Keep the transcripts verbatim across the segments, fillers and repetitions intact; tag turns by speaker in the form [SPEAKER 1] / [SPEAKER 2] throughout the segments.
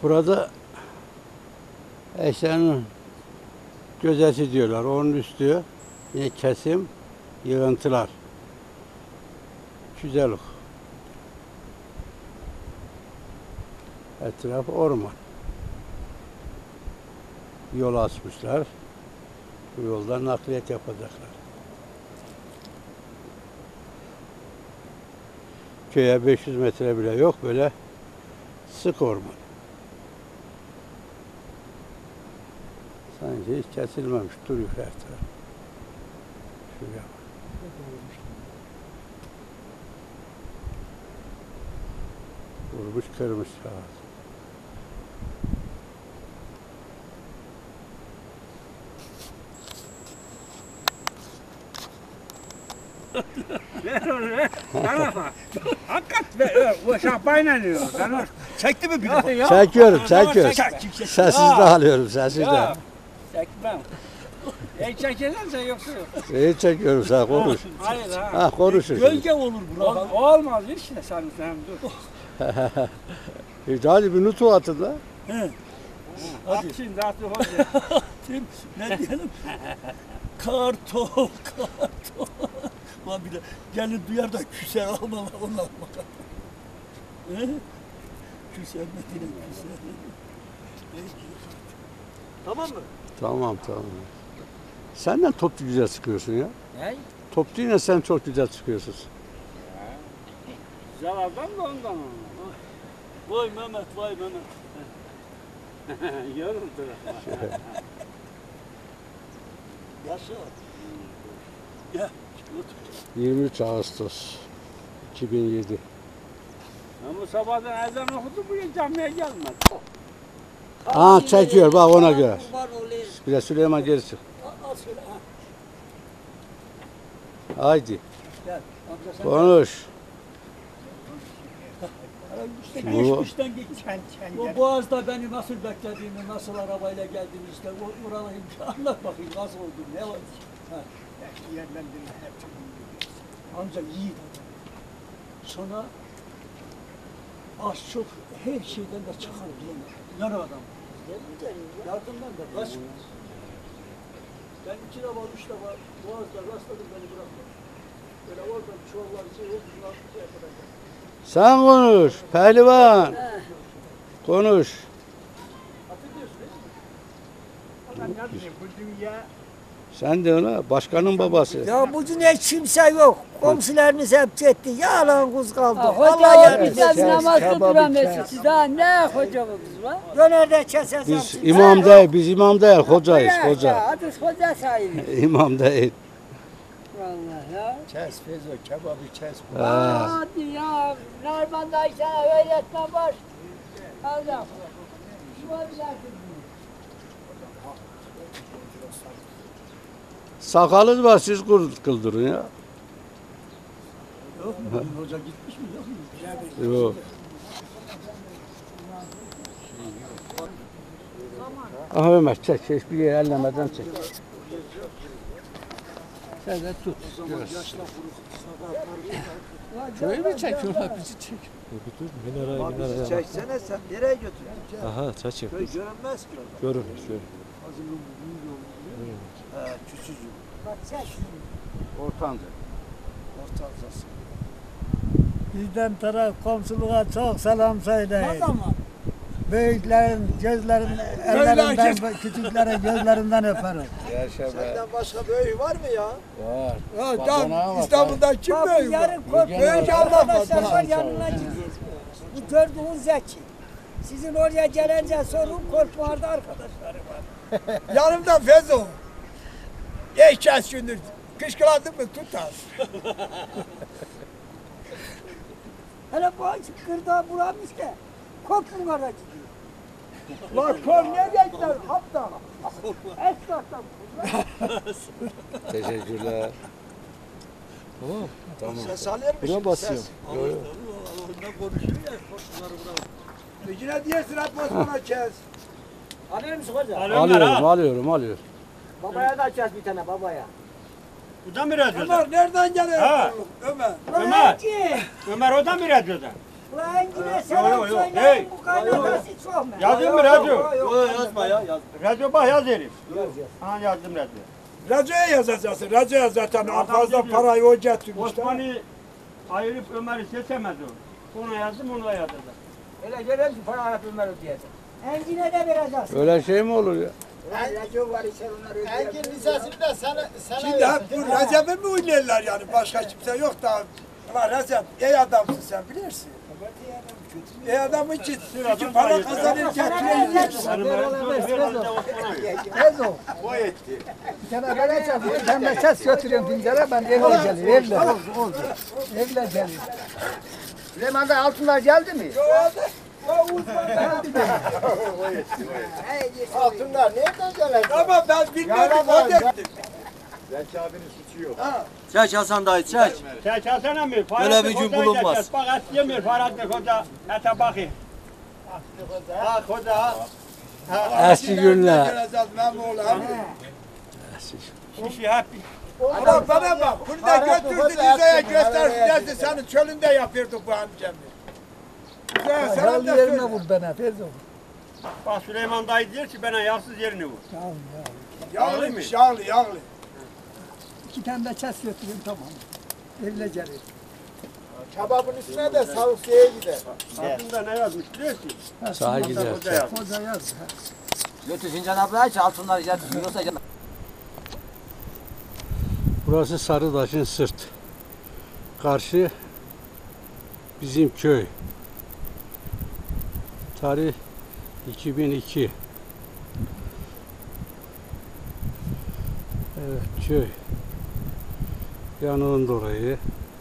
[SPEAKER 1] Burada eşyanın gözesi diyorlar. Onun üstü yine kesim, yığıntılar. Güzellik. Etraf orman. Yol açmışlar. Bu yoldan nakliyat yapacaklar. Köye beş yüz metre bile yok, böyle sık orman. Sanki hiç kesilmemiş, duruyor her taraf. Şuraya bak. Vurmuş kırmış ağaç.
[SPEAKER 2] Ver onu ver. Bana bak. Hakikat ver. O şapayla diyor. Ben o...
[SPEAKER 3] Çekti mi biri?
[SPEAKER 2] Ya,
[SPEAKER 1] Çekiyorum,
[SPEAKER 2] ya,
[SPEAKER 1] çekiyorum.
[SPEAKER 2] çek, çek, çek.
[SPEAKER 1] Sessiz de
[SPEAKER 2] Ya.
[SPEAKER 1] alıyorum, sessiz de.
[SPEAKER 2] Ya. Çekmem. E çekersen yoksa yok.
[SPEAKER 1] İyi çekiyorum, sen konuş.
[SPEAKER 2] Hayır ha.
[SPEAKER 1] Ha, konuşur.
[SPEAKER 3] Gölge olur bura.
[SPEAKER 2] Ol, olmaz işte sen sen dur.
[SPEAKER 1] E, hadi bir nutu atın da.
[SPEAKER 2] At şimdi at hadi.
[SPEAKER 3] Tim, ne diyelim? Kartol, kartol. Lan bir de gelin duyar da küser almalar onlar bakar. He? Küser Medine küser. Tamam mı?
[SPEAKER 1] Tamam, tamam. Senden topçu güzel çıkıyorsun ya.
[SPEAKER 2] Ne?
[SPEAKER 1] Topçu yine sen çok güzel çıkıyorsun.
[SPEAKER 2] Güzel adam da ondan.
[SPEAKER 3] Vay Mehmet, vay Mehmet.
[SPEAKER 2] Yoruldu.
[SPEAKER 3] Yaşa. Gel.
[SPEAKER 1] yirmi üç Ağustos iki bin yedi.
[SPEAKER 2] Ama sabahdan ezan okudu bu camiye gelmedi.
[SPEAKER 1] Aa, çekiyor bak, ona göre. Bir de Süleyman geri çık.
[SPEAKER 3] Al şöyle. Ha.
[SPEAKER 1] Haydi
[SPEAKER 3] Gel. Amca sen
[SPEAKER 1] konuş.
[SPEAKER 3] işte
[SPEAKER 1] Bu-
[SPEAKER 3] geçmişten geç. O Boğaz'da beni nasıl beklediğini, nasıl arabayla geldiğini işte o oraları anlat bakayım nasıl oldu, ne oldu? Ha. Amca yiğit adam. Sonra az çok her şeyden de çıkar bilemem. Yan adam. Yardımdan da kaçmaz. Ben iki defa, üç defa Boğaz'da rastladım, beni bırakmadı. Böyle oradan çuvallar şey oldu, şey yapacak.
[SPEAKER 1] Sen konuş pehlivan. Konuş.
[SPEAKER 3] Hatırlıyorsun değil mi?
[SPEAKER 2] Adam ne diyeyim bu dünya
[SPEAKER 1] Sen de ona başkanın babası.
[SPEAKER 4] Ya bu dünya kimse yok. Komşularımız hep gitti. Yalan kuz kaldı.
[SPEAKER 5] Ha,
[SPEAKER 4] Allah
[SPEAKER 5] Hoca
[SPEAKER 4] yardım
[SPEAKER 5] bizden
[SPEAKER 4] etsin.
[SPEAKER 5] namazda duramıyorsun. Siz daha ne hocamız var?
[SPEAKER 4] Dönerde kesesem.
[SPEAKER 1] Biz imam değil, biz imam değil, hocayız,
[SPEAKER 5] Ya,
[SPEAKER 1] hoca.
[SPEAKER 5] Adı hoca sahibi.
[SPEAKER 1] İmam değil.
[SPEAKER 5] Vallahi ya.
[SPEAKER 4] Kes Fezo, kebabı kes.
[SPEAKER 1] Ha.
[SPEAKER 5] Hadi ya. Narman'da sana öğretmen var. Allah. Şu an
[SPEAKER 1] Sakalınız var, siz kul- kıldırın ya.
[SPEAKER 3] Yok mu? Bugün hoca gitmiş mi? Yok mu?
[SPEAKER 1] Yok. Aha Ömer çek, hiçbir yere ellemeden çek. Sen de tut.
[SPEAKER 3] Şurayı mı çekiyorlar? Bizi çek.
[SPEAKER 4] Abi çeksene sen nereye götürüyorsun?
[SPEAKER 6] Aha çeçim.
[SPEAKER 4] Köy görünmez ki.
[SPEAKER 6] Görünür şöyle.
[SPEAKER 4] He, küçücük.
[SPEAKER 5] Bak çek.
[SPEAKER 1] Ortanca.
[SPEAKER 4] Ortancası.
[SPEAKER 7] Bizden taraf komşuluğa çok selam
[SPEAKER 5] Ne
[SPEAKER 7] söyleyin.
[SPEAKER 5] zaman?
[SPEAKER 7] Büyüklerin gözlerin, ellerinden, küçüklerin gözlerinden öperim.
[SPEAKER 4] Senden başka büyüğü var mı ya?
[SPEAKER 1] Var.
[SPEAKER 4] Ya
[SPEAKER 1] Badana var,
[SPEAKER 4] İstanbul'da kim
[SPEAKER 5] Bak
[SPEAKER 4] büyüğü var?
[SPEAKER 5] yarın kork.
[SPEAKER 4] Büyük Allah
[SPEAKER 5] Arkadaşlar var
[SPEAKER 4] var.
[SPEAKER 5] yanına gideceğiz. Bu gördüğün Zeki. Sizin oraya gelince sorun korkmuarda arkadaşları var.
[SPEAKER 4] Yanımda Fezo. Geçeceğiz gündür. Kışkıladın mı tutar.
[SPEAKER 5] Hele bu kırda bulamış ki korkmuarda gidiyor.
[SPEAKER 4] Lan kol nereye gider? Hatta.
[SPEAKER 5] Esnaftan.
[SPEAKER 1] Teşekkürler.
[SPEAKER 4] Ses alır mısın?
[SPEAKER 6] Buna basıyorum.
[SPEAKER 3] Ne konuşuyor ya? Komşuları bırak.
[SPEAKER 4] Yine diyesin atmasına kes.
[SPEAKER 5] Alıyor musun hoca?
[SPEAKER 1] Alıyorum, alıyorum, alıyorum.
[SPEAKER 5] Babaya da açacağız bir tane babaya.
[SPEAKER 2] Bu da mı radyoda?
[SPEAKER 4] Ömer nereden geliyor?
[SPEAKER 2] Ha.
[SPEAKER 4] Ömer.
[SPEAKER 2] Ömer. Ömer o da mı radyoda?
[SPEAKER 5] Ulan yine
[SPEAKER 2] Yo,
[SPEAKER 5] selam
[SPEAKER 2] yo, yo.
[SPEAKER 5] söyleyin
[SPEAKER 2] Hey.
[SPEAKER 5] bu kaynanası çok mu?
[SPEAKER 2] Yazdın mı radyo?
[SPEAKER 6] Yok yazma ya yaz.
[SPEAKER 2] Radyo bak yaz herif. Ha yazdım radyo.
[SPEAKER 3] Radyoya yazacaksın. Radyoya zaten
[SPEAKER 2] Adam
[SPEAKER 3] fazla
[SPEAKER 2] diyor,
[SPEAKER 3] parayı o getirmiş.
[SPEAKER 2] Osman'ı ayırıp Ömer'i seçemez o. Ona yazdım onu da yazdım.
[SPEAKER 6] Öyle gelen ki para alıp Ömer ödeyecek.
[SPEAKER 5] Engine de vereceksin.
[SPEAKER 1] Öyle şey mi olur ya?
[SPEAKER 5] Radyo var içer onları ödeyeceksin.
[SPEAKER 7] Engin lisesinde sana, sana
[SPEAKER 3] Şimdi hep bu Recep'i mi oynarlar yani? Başka kimse yok da. Ama Recep iyi adamsın sen bilirsin. İyi adam için çünkü para kazanır getiriyor yersin.
[SPEAKER 2] Hanım herhalde Osman'a.
[SPEAKER 7] Tez ol. O etti. Bir tane böyle çal, bir tane ses götürüyorum Pincer'e, ben evle geliyorum, evle. Evle geliyorum.
[SPEAKER 6] Süleyman'da altınlar geldi mi?
[SPEAKER 7] Altınlar nereden gelir?
[SPEAKER 3] Ama ben bilmiyorum o getti.
[SPEAKER 6] Çek Hasan dayı çek.
[SPEAKER 2] Sen çalsana mı?
[SPEAKER 6] Böyle bir gün bulunmaz.
[SPEAKER 2] Bak et yemiyor Fahrettin Hoca. Ete bakayım. Ha Hoca ha.
[SPEAKER 1] Eski günler.
[SPEAKER 3] Geleceğiz Memoğlu abi.
[SPEAKER 2] Kişi hep
[SPEAKER 3] Ama bana bak, bunu da götürdü Rize'ye göstersin dersin senin çölünde yapıyorduk bu amcamı. Rize'ye sana
[SPEAKER 7] Herhalde
[SPEAKER 3] da
[SPEAKER 7] yerine
[SPEAKER 3] söyle.
[SPEAKER 7] vur bana, tez ol.
[SPEAKER 2] bak Süleyman dayı diyor ki bana yağsız yerini vur.
[SPEAKER 7] Tamam ya.
[SPEAKER 3] Yağlıymış, yağlı, yağlı.
[SPEAKER 7] İki tane de ses götüreyim, tamam. Evle geliyorum.
[SPEAKER 3] Kebabın üstüne de savukluya gider.
[SPEAKER 2] Altında ne yazmış biliyor musun?
[SPEAKER 1] Sağa gider.
[SPEAKER 2] Hoca yazmış.
[SPEAKER 7] Hoca yaz.
[SPEAKER 6] Götür Sincan abla aç altınlar geldi. Yoksa canım.
[SPEAKER 1] Burası Sarıdaş'ın sırt. Karşı bizim köy. Tarih iki bin iki. Evet, köy. Yanığın orayı.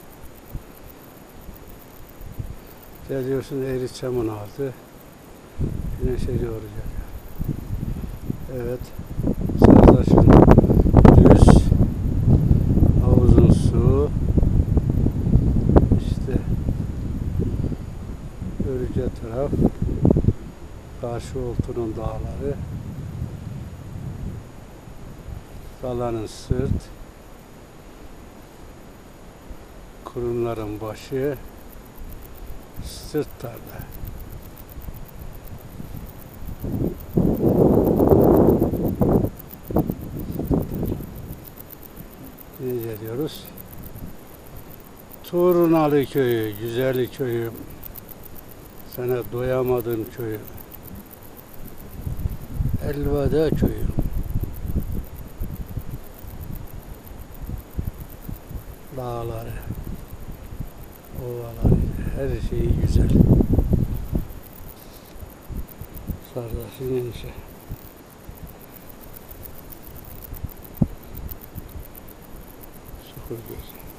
[SPEAKER 1] Geliyorsun Eğriçam'ın altı. Güneşe doğru geliyor. Evet. Sarıdaş'ın düz havuzun su. İşte Örüce taraf. Karşı Oltu'nun dağları. Dalanın sırt. Kurumların başı. Sırt tarla. Ne geliyoruz? Turunalı köyü, Güzelli köyü, sana doyamadım köyü, Elveda köyü. Dağları, ovaları, her şeyi güzel. Sardaşın enişe. Sıfır göz.